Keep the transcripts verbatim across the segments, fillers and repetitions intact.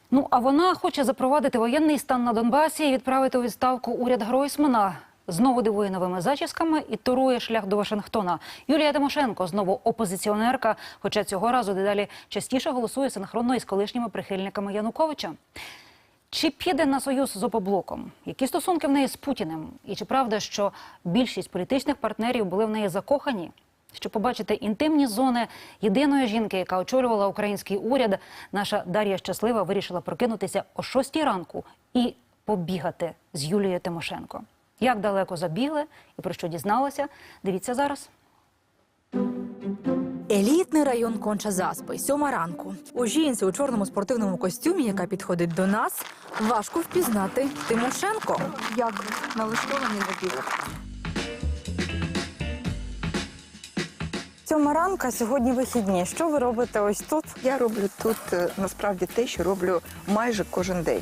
Ну, а вона хоче запровадити воєнний стан на Донбасі і відправити у відставку уряд Гройсмана. Знову дивує новими зачісками і турує шлях до Вашингтона. Юлія Тимошенко знову опозиціонерка, хоча цього разу дедалі частіше голосує синхронно із колишніми прихильниками Януковича. Чи піде на союз з Опоблоком? Які стосунки в неї з Путіним? І чи правда, що більшість політичних партнерів були в неї закохані? Щоб побачити інтимні зони єдиної жінки, яка очолювала український уряд, наша Дар'я Щаслива вирішила прокинутися о шостій ранку і побігати з Юлією Тимошенко. Як далеко забігли і про що дізналася, дивіться зараз. Елітний район Конча-Заспи, сьома ранку. У жінці у чорному спортивному костюмі, яка підходить до нас, важко впізнати Тимошенко. Як налаштовані на біг? Сьома ранка, сьогодні вихідні. Що ви робите ось тут? Я роблю тут е, насправді те, що роблю майже кожен день.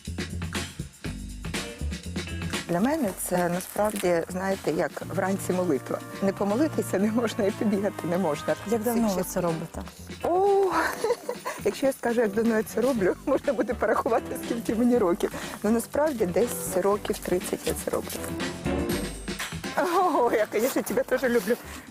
Для мене це насправді, знаєте, як вранці молитва. Не помолитися не можна і побігати не можна. Як давно Всіх ви це робите? О, якщо я скажу, як давно я це роблю, можна буде порахувати, скільки мені років. Ну, насправді, десь років тридцять я це роблю. О, я, звісно, тебе теж люблю.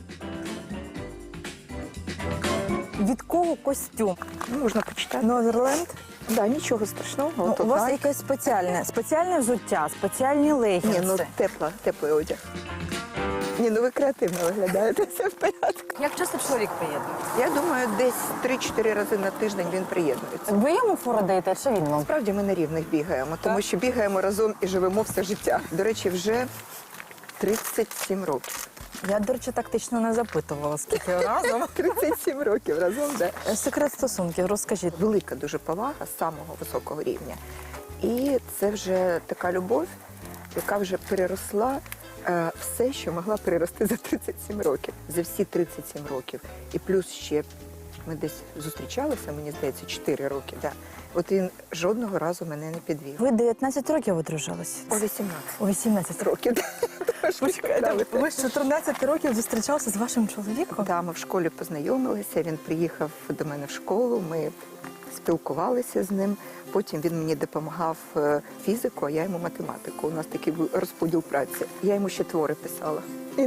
Від кого костюм? Ну, можна почитати. Новерленд? Да, нічого страшного. Ну, От у вас так. якесь спеціальне, спеціальне взуття, спеціальні Ні, легінси. ну тепла, теплий одяг. Ні, ну ви креативно виглядаєте, все в порядку. Як часто чоловік приєднує? Я думаю, десь три-чотири рази на тиждень він приєднується. Ви йому фору даєте, чи він вам? Справді ми на рівних бігаємо, тому що бігаємо разом і живемо все життя. До речі, вже тридцять сім років. Я, до речі, тактично не запитувала, скільки разом. тридцять сім років разом, да. Секрет стосунків, розкажіть. Велика дуже повага з самого високого рівня. І це вже така любов, яка вже переросла е, все, що могла перерости за тридцять сім років. За всі тридцять сім років. І плюс ще ми десь зустрічалися, мені здається, чотири роки. Да. От він жодного разу мене не підвів. Ви дев'ятнадцять років одружились? О вісімнадцять У вісімнадцять років. років. Почекайте, ви з чотирнадцяти років зустрічалися з вашим чоловіком? Да, ми в школі познайомилися, він приїхав до мене в школу, ми спілкувалися з ним. Потім він мені допомагав е, фізику, а я йому математику. У нас такий був розподіл праці. Я йому ще твори писала.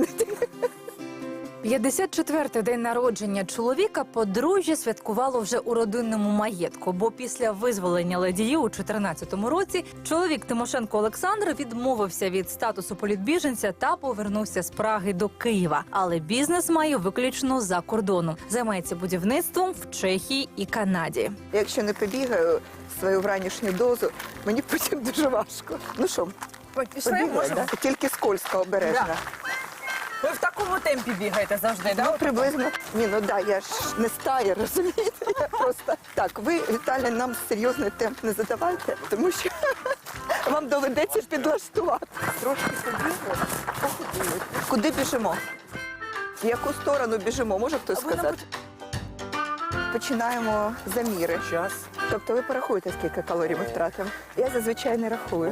п'ятдесят четвертий день народження чоловіка подружжя святкувало вже у родинному маєтку, бо після визволення Ладії у чотирнадцятому році чоловік Тимошенко Олександр відмовився від статусу політбіженця та повернувся з Праги до Києва. Але бізнес має виключно за кордоном. Займається будівництвом в Чехії і Канаді. Якщо не побігаю свою вранішню дозу, мені потім дуже важко. Ну що, побігаю, да? Тільки скользко, обережно. Ви в такому темпі бігаєте завжди, Ну, приблизно. Ні, ну да, я ж не стая, розумієте? Я просто так. Ви, Віталій, нам серйозний темп не задавайте, тому що вам доведеться підлаштувати. Трошки побігли, походили. Куди біжимо? В яку сторону біжимо? Може хтось сказати? Починаємо заміри. Час. Тобто ви порахуєте, скільки калорій ми втратимо? Я зазвичай не рахую.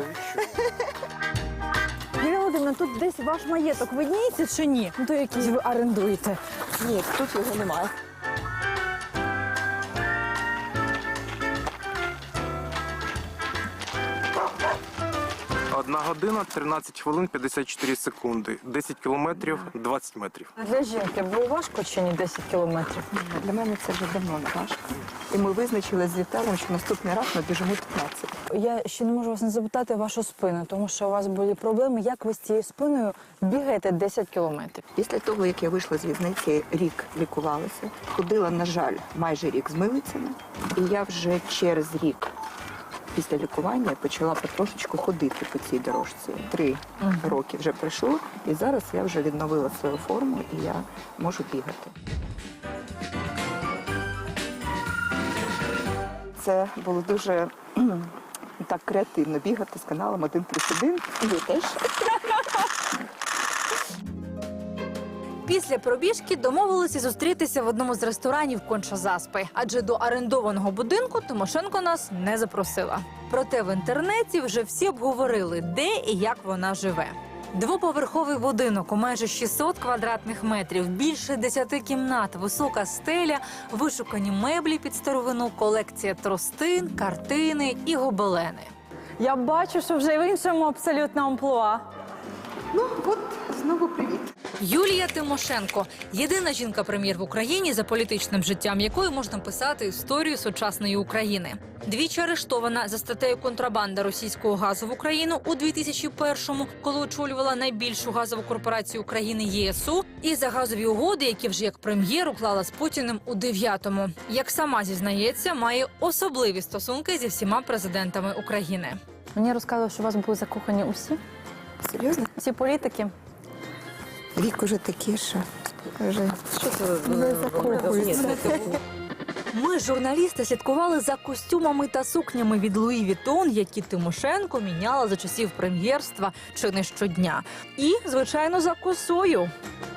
Юлія Володимирівна, тут десь ваш маєток видніється чи ні? Ну, то якийсь ви орендуєте. Ні, тут його немає. Одна година, тринадцять хвилин, п'ятдесят чотири секунди. десять кілометрів, двадцять метрів. Для жінки було важко чи ні десять кілометрів? Для мене це вже давно не важко. І ми визначили з Віталієм, що наступний раз ми біжимо п'ятнадцять. Я ще не можу вас не запитати вашу спину, тому що у вас були проблеми. Як ви з цією спиною бігаєте десять кілометрів? Після того, як я вийшла з в'язниці, рік лікувалася. Ходила, на жаль, майже рік з милицями. І я вже через рік після лікування почала потрошечку ходити по цій дорожці. Три uh-huh. роки вже пройшло, і зараз я вже відновила свою форму, і я можу бігати. Це було дуже так креативно бігати з каналом один плюс один. І ви теж. Після пробіжки домовилися зустрітися в одному з ресторанів Конча-Заспи, адже до орендованого будинку Тимошенко нас не запросила. Проте в інтернеті вже всі обговорили, де і як вона живе. Двоповерховий будинок у майже шістсот квадратних метрів, більше десяти кімнат, висока стеля, вишукані меблі під старовину, колекція тростин, картини і гобелени. Я бачу, що вже в іншому абсолютно амплуа. Ну, от знову привіт. Юлія Тимошенко – єдина жінка-прем'єр в Україні, за політичним життям якої можна писати історію сучасної України. Двічі арештована за статтею «Контрабанда російського газу в Україну» у дві тисячі першому, коли очолювала найбільшу газову корпорацію України ЄСУ, і за газові угоди, які вже як прем'єр уклала з Путіним у дев'ятому. Як сама зізнається, має особливі стосунки зі всіма президентами України. Мені розказали, що у вас були закохані усі, Серйозно? всі політики. Вік уже такий, що вже Що це не закохується. Ми, журналісти, слідкували за костюмами та сукнями від Луї Вітон, які Тимошенко міняла за часів прем'єрства чи не щодня. І, звичайно, за косою.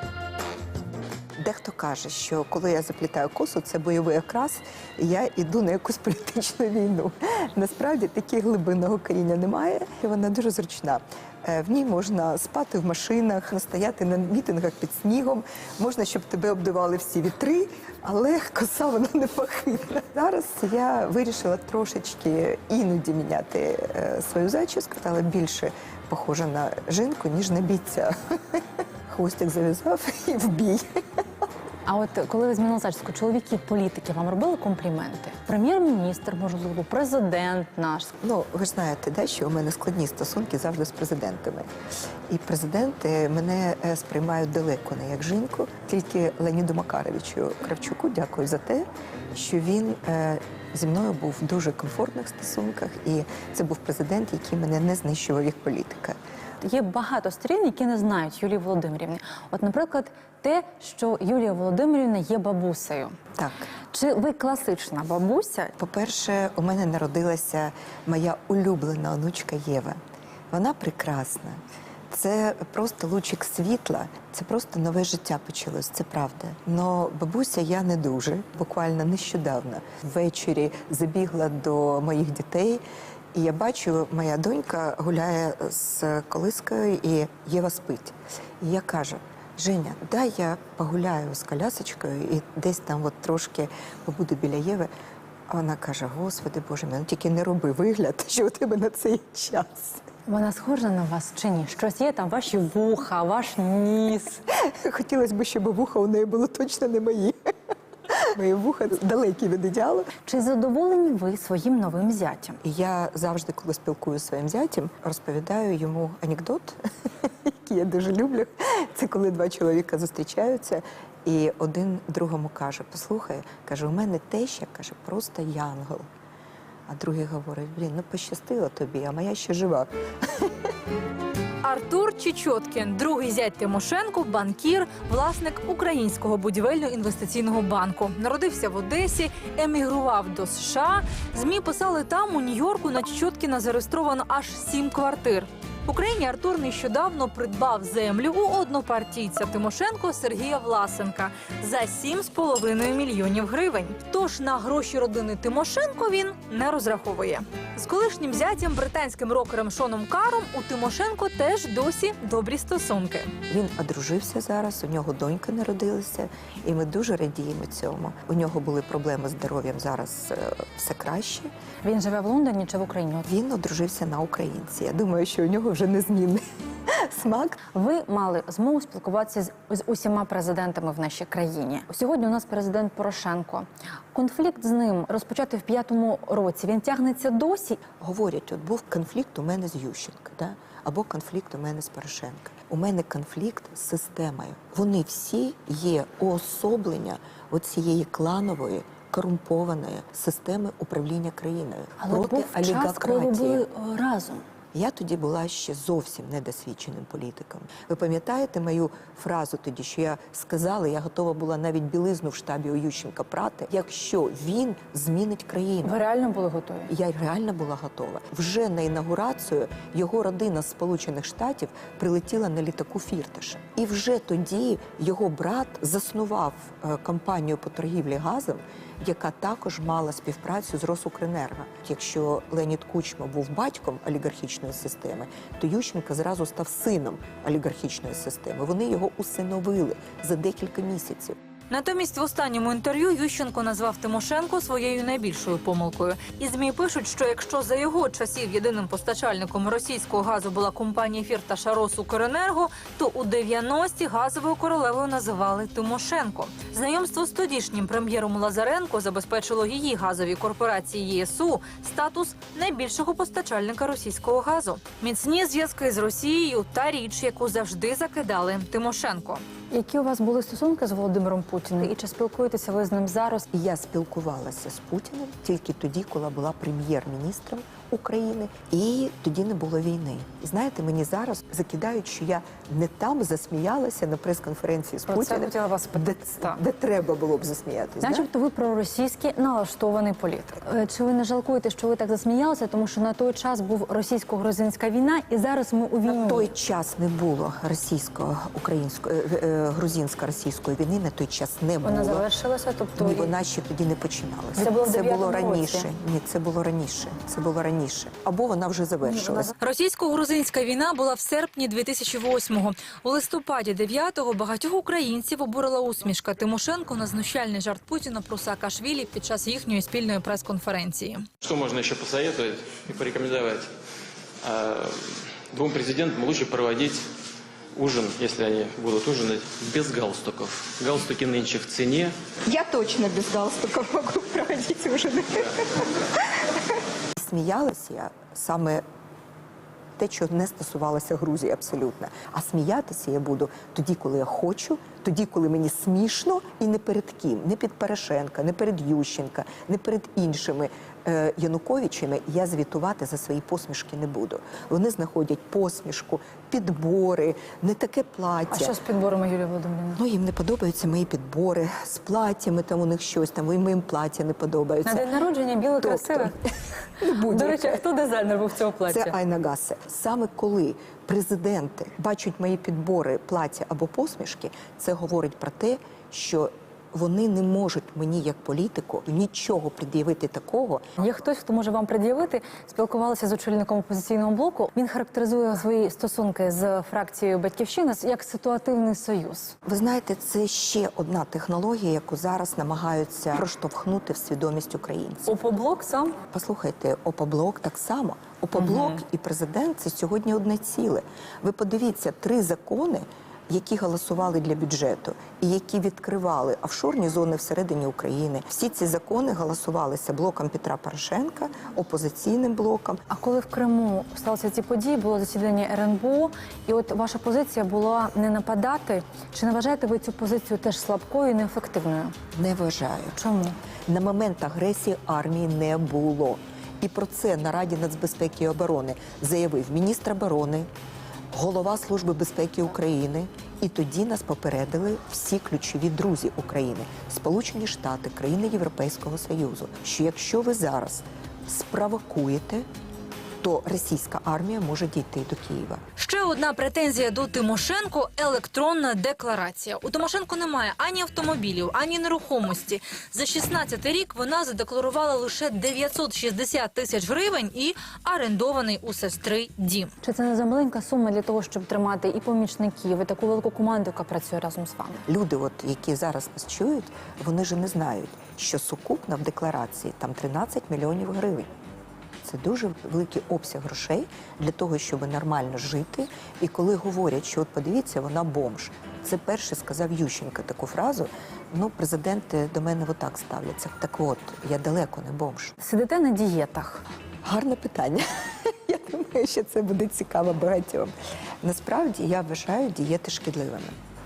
Дехто каже, що коли я заплітаю косу, це бойовий окрас, і я йду на якусь політичну війну. Насправді такі глибинного коріння немає, і вона дуже зручна. Е, В ній можна спати в машинах, стояти на мітингах під снігом, можна, щоб тебе обдували всі вітри, але коса вона не похитна. Зараз я вирішила трошечки іноді міняти е, свою зачіску, стала більше похожа на жінку, ніж на бійця. Хвостик зав'язав і в бій. А от коли ви змінили зачіску, чоловіки політики вам робили компліменти? Прем'єр-міністр, можливо, президент наш. Ну, ви ж знаєте, да, що у мене складні стосунки завжди з президентами. І президенти мене е, сприймають далеко не як жінку. Тільки Леоніду Макаровичу Кравчуку дякую за те, що він е, зі мною був в дуже комфортних стосунках. І це був президент, який мене не знищував як політика. Є багато сторін, які не знають Юлії Володимирівни. От, наприклад, те, що Юлія Володимирівна є бабусею. Так. Чи ви класична бабуся? По-перше, у мене народилася моя улюблена онучка Єва. Вона прекрасна. Це просто лучик світла, це просто нове життя почалось, це правда. Но бабуся я не дуже, буквально нещодавно. Ввечері забігла до моїх дітей, і я бачу, моя донька гуляє з колискою, і Єва спить. І я кажу: Женя, дай я погуляю з колясочкою і десь там от трошки побуду біля Єви. А вона каже: Господи Боже мій, ну тільки не роби вигляд, що у тебе на цей час. Вона схожа на вас чи ні? Щось є там, ваші вуха, ваш ніс. Хотілося б, щоб вуха у неї було точно не мої. Мої вуха далекі від ідеалу. Чи задоволені ви своїм новим зятям? І я завжди, коли спілкуюся зі своїм зятем, розповідаю йому анекдот, який я дуже люблю. Це коли два чоловіка зустрічаються, і один другому каже: послухай, каже, у мене теща, каже, просто янгол. А другий говорить: блін, ну пощастило тобі, а моя ще жива. Артур Чечоткін, другий зять Тимошенко, банкір, власник Українського будівельно-інвестиційного банку. Народився в Одесі, емігрував до США. ЗМІ писали, там у Нью-Йорку на Чечоткіна зареєстровано аж сім квартир. В Україні Артур нещодавно придбав землю у однопартійця Тимошенко Сергія Власенка за сім з половиною мільйонів гривень. Тож на гроші родини Тимошенко він не розраховує. З колишнім зятям, британським рокером Шоном Каром, у Тимошенко теж досі добрі стосунки. Він одружився зараз, у нього донька народилася, і ми дуже радіємо цьому. У нього були проблеми з здоров'ям, зараз е, все краще. Він живе в Лондоні чи в Україні? От Він одружився на українці. Я думаю, що у нього вже незмінний смак. ви мали змогу спілкуватися з, з усіма президентами в нашій країні. Сьогодні у нас президент Порошенко. Конфлікт з ним розпочати в п'ятому році. Він тягнеться досі. Говорять, от був конфлікт у мене з Ющенко, да? Або конфлікт у мене з Порошенко. У мене конфлікт з системою. Вони всі є уособлення оцієї кланової, корумпованої системи управління країною. Але проти був час, коли ви олігархатії. були о, разом. Я тоді була ще зовсім недосвідченим політиком. Ви пам'ятаєте мою фразу тоді, що я сказала, я готова була навіть білизну в штабі у Ющенка прати, якщо він змінить країну. Ви реально були готові? Я реально була готова. Вже на інаугурацію його родина з Сполучених Штатів прилетіла на літаку Фірташа. І вже тоді його брат заснував е, компанію по торгівлі газом, яка також мала співпрацю з Росукренерго. Якщо Леонід Кучма був батьком олігархічної системи, то Ющенко зразу став сином олігархічної системи. Вони його усиновили за декілька місяців. Натомість в останньому інтерв'ю Ющенко назвав Тимошенко своєю найбільшою помилкою. І ЗМІ пишуть, що якщо за його часів єдиним постачальником російського газу була компанія Фірташа Росукренерго, то у дев'яності газовою королевою називали Тимошенко. Знайомство з тодішнім прем'єром Лазаренко забезпечило її газовій корпорації ЄСУ статус найбільшого постачальника російського газу. Міцні зв'язки з Росією – та річ, яку завжди закидали Тимошенко. Які у вас були стосунки з Володимиром Путіним? І чи спілкуєтеся ви з ним зараз? І я спілкувалася з Путіним тільки тоді, коли була прем'єр-міністром України, і тоді не було війни. І знаєте, мені зараз закидають, що я не там засміялася на прес-конференції з Про це Путіним, хотіла вас де, Так. де треба було б засміятися. Начебто ви проросійський налаштований політик. Е, Чи ви не жалкуєте, що ви так засміялися, тому що на той час був російсько-грузинська війна, і зараз ми у війні? На той час не було російсько-української, е, е, грузинсько-російської війни, на той час не було. Вона завершилася, тобто Ні, вона ще тоді не починалася. Це було в дев'ятому було році. раніше. Ні, це було раніше. Це було раніше. Або вона вже завершилась. Російсько-грузинська війна була в серпні дві тисячі восьмого. У листопаді дев'ятого багатьох українців обурила усмішка Тимошенко на знущальний жарт Путіна про Саакашвілі під час їхньої спільної прес-конференції. Что можно еще посоветовать и порекомендовать? А, Двум президентам лучше проводить ужин, если они будут ужинать, без галстуков. Галстуки нынче в цене. Я точно без галстука можу проводити ужини. Сміялася я саме те, що не стосувалося Грузії абсолютно. А сміятися я буду тоді, коли я хочу, тоді, коли мені смішно, і не перед ким. Не під Порошенка, не перед Ющенка, не перед іншими е, Януковичами. Я звітувати за свої посмішки не буду. Вони знаходять посмішку, підбори, не таке плаття. А що з підборами, Юлія Володимирівна? Ну, їм не подобаються мої підбори з платтями, там у них щось, там, і моїм плаття не подобаються. На день народження біле Тобто, красиве. будь-яке. До речі, а хто дизайнер був цього плаття? Це Айна Гасе. Саме коли президенти бачать мої підбори, плаття або посмішки, це говорить про те, що вони не можуть мені, як політику, нічого пред'явити такого. Є хтось, хто може вам пред'явити. Спілкувалися з очільником опозиційного блоку. Він характеризує свої стосунки з фракцією «Батьківщина» як ситуативний союз. Ви знаєте, це ще одна технологія, яку зараз намагаються проштовхнути в свідомість українців. Опоблок сам? Послухайте, ОПОБЛОК так само. ОПОБЛОК і президент – це сьогодні одне ціле. Ви подивіться, три закони, які голосували для бюджету і які відкривали офшорні зони всередині України. Всі ці закони голосувалися блоком Петра Порошенка, опозиційним блоком. А коли в Криму сталися ці події, було засідання ер ен бе о, і от ваша позиція була не нападати. Чи не вважаєте ви цю позицію теж слабкою і неефективною? Не вважаю. Чому? На момент агресії армії не було. І про це на Раді нацбезпеки і оборони заявив міністр оборони, голова Служби безпеки України. І тоді нас попередили всі ключові друзі України, Сполучені Штати, країни Європейського Союзу, що якщо ви зараз спровокуєте, то російська армія може дійти до Києва. Ще одна претензія до Тимошенко – електронна декларація. У Тимошенко немає ані автомобілів, ані нерухомості. За шістнадцятий рік вона задекларувала лише дев'ятсот шістдесят тисяч гривень і орендований у сестри дім. Чи це не замаленька сума для того, щоб тримати і помічників, і таку велику команду, яка працює разом з вами? Люди, от, які зараз нас чують, вони ж не знають, що сукупно в декларації там тринадцять мільйонів гривень. Це дуже великий обсяг грошей для того, щоб нормально жити. І коли говорять, що от подивіться, вона бомж. Це перше сказав Ющенко таку фразу. Ну, президенти до мене отак ставляться. Так от, я далеко не бомж. Сидите на дієтах. Гарне питання. Я думаю, що це буде цікаво багатьом. Насправді, я вважаю дієти шкідливими.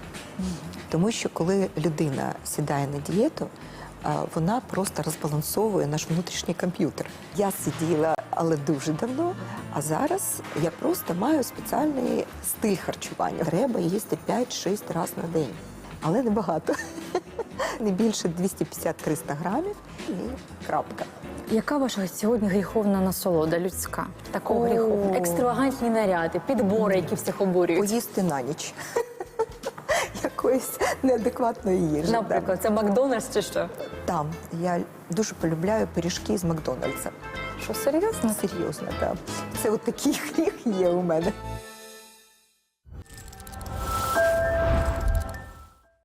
Тому що коли людина сідає на дієту, вона просто розбалансовує наш внутрішній комп'ютер. Я сиділа, але дуже давно, а зараз я просто маю спеціальний стиль харчування. Треба їсти п'ять-шість разів на день, але небагато. Не більше двісті п'ятдесят - триста грамів і крапка. Яка ваша сьогодні гріховна насолода людська? Такого О. гріху? Екстравагантні наряди, підбори, які всіх обурюють. Поїсти на ніч. Як якоїсь неадекватної їжі. да. Наприклад, це Макдональдс чи що? Там я дуже полюбляю пиріжки з Макдональдса. Що, серйозно? Серйозно, так. Це от такий гріх є у мене.